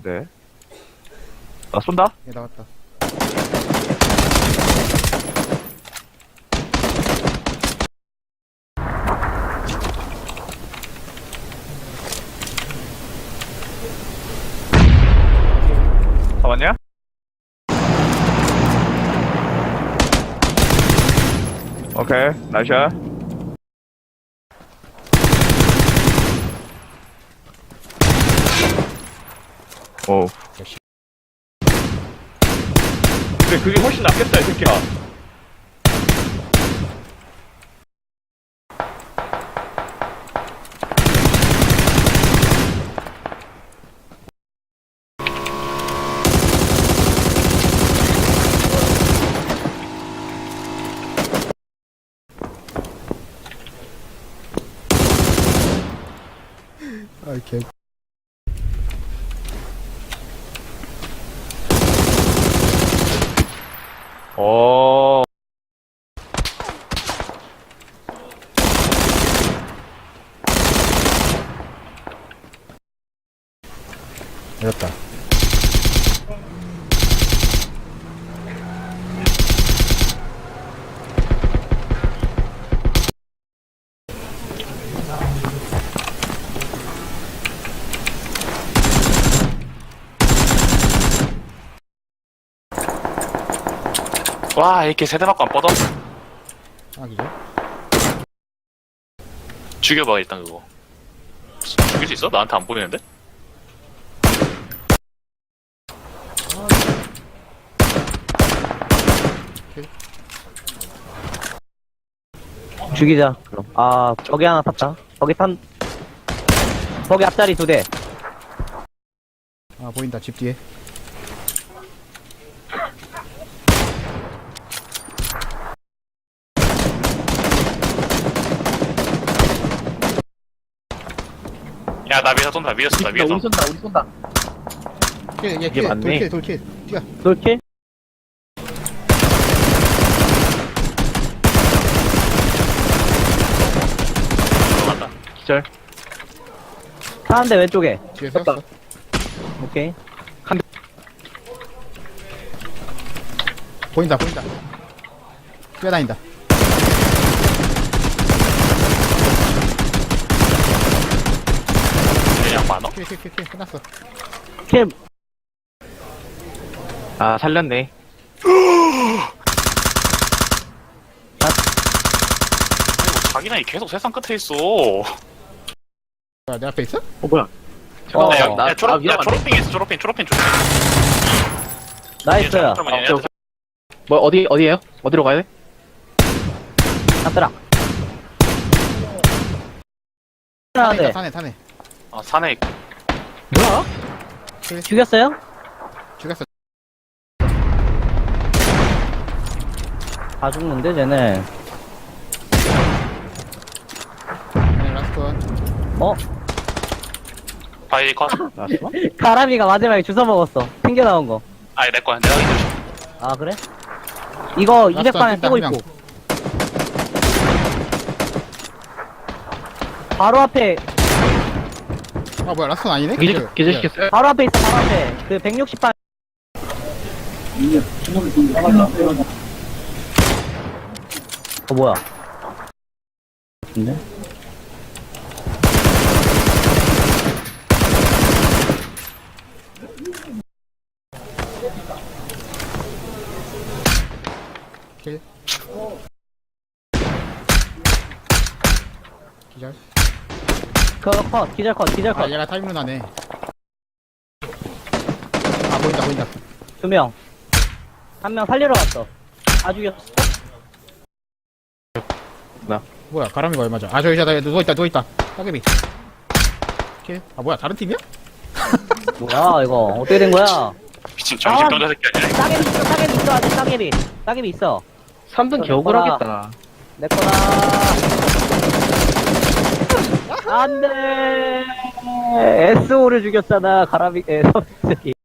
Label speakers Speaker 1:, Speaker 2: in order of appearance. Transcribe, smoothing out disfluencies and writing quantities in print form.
Speaker 1: 같은데. 나 쏜다?
Speaker 2: 얘 나갔다.
Speaker 1: 잡았냐? 오케이, 나이샷. 오. 근데 그게 훨씬 낫겠다, 이 새끼야.
Speaker 2: 아, 개.
Speaker 1: 오.
Speaker 2: 내렸다.
Speaker 3: 와, 이렇게 세대 맞고 안 뻗어?
Speaker 2: 아, 그죠?
Speaker 3: 죽여봐, 일단 그거. 죽일 수 있어? 나한테 안 보이는데?
Speaker 4: 죽이자, 그럼. 아, 저기 하나 탔다. 거기 앞자리 2대.
Speaker 2: 아, 보인다. 집 뒤에.
Speaker 3: 야, 나 위에서 쏜다, 위에서 쏜다, 위에서.
Speaker 4: 우리 쏜다.
Speaker 2: 킬, 얘
Speaker 4: 이게
Speaker 2: 킬.
Speaker 4: 맞네.
Speaker 2: 돌킬. 뛰어.
Speaker 4: 돌킬?
Speaker 3: 들어간다.
Speaker 1: 기절.
Speaker 4: 차 한 대 왼쪽에.
Speaker 2: 뒤에 세웠어.
Speaker 4: 오케이.
Speaker 2: 보인다. 뛰어다닌다.
Speaker 3: 그냥 많어?
Speaker 2: 킬. 끝났어.
Speaker 4: 킬,
Speaker 1: 아, 살렸네.
Speaker 3: 아이고, 자기장이 계속 세상 끝에 있어.
Speaker 2: 뭐야, 내 앞에 있어?
Speaker 1: 뭐야.
Speaker 4: 어,
Speaker 3: 야,
Speaker 1: 나-
Speaker 3: 야, 초록핑 있어, 초록핑.
Speaker 4: 나이스야.
Speaker 1: 뭐, 어디에요? 어디로 가야 돼?
Speaker 4: 잡더라. 하나 돼.
Speaker 2: 산에.
Speaker 3: 아, 산에 있고.
Speaker 4: 뭐야? 죽였어요?
Speaker 2: 죽였어.
Speaker 4: 다 죽는데, 쟤네.
Speaker 2: 네, 라스트 원.
Speaker 4: 어?
Speaker 3: 바이 컷.
Speaker 1: 나왔어?
Speaker 4: 가람이가 마지막에 주워 먹었어. 튕겨 나온 거.
Speaker 3: 아니, 내 거야. 내가 이제.
Speaker 4: 아, 그래? 이거
Speaker 2: 라스트
Speaker 4: 200방에
Speaker 2: 한
Speaker 4: 쓰고
Speaker 2: 명.
Speaker 4: 있고. 바로 앞에,
Speaker 2: 아, 뭐야, 라스트 아니네?
Speaker 1: 기절시켰어요?
Speaker 4: 바로 앞에 있어, 바로 앞에. 그 160방. 뭐야? 근데?
Speaker 2: 킬. 기절.
Speaker 4: 그거 컷, 기절 컷.
Speaker 2: 아, 얘가 타임룬 하네. 아, 보인다.
Speaker 4: 2명. 1명 살리러 갔어. 다 죽였어.
Speaker 2: 뭐야, 가람이가 얼마죠? 아, 저기, 누워있다. 따개비. 킬. 아, 뭐야, 다른 팀이야?
Speaker 4: 뭐야, 이거. 어떻게 된 거야?
Speaker 3: 미친 정신병자 새끼 아니야?
Speaker 4: 따개비 있어, 아직 따개비. 따개비 있어.
Speaker 1: 3등
Speaker 4: 겨우
Speaker 1: 겨우하겠다.
Speaker 4: 내 거다. 안 돼. SO를 죽였잖아, 가라비, 저기.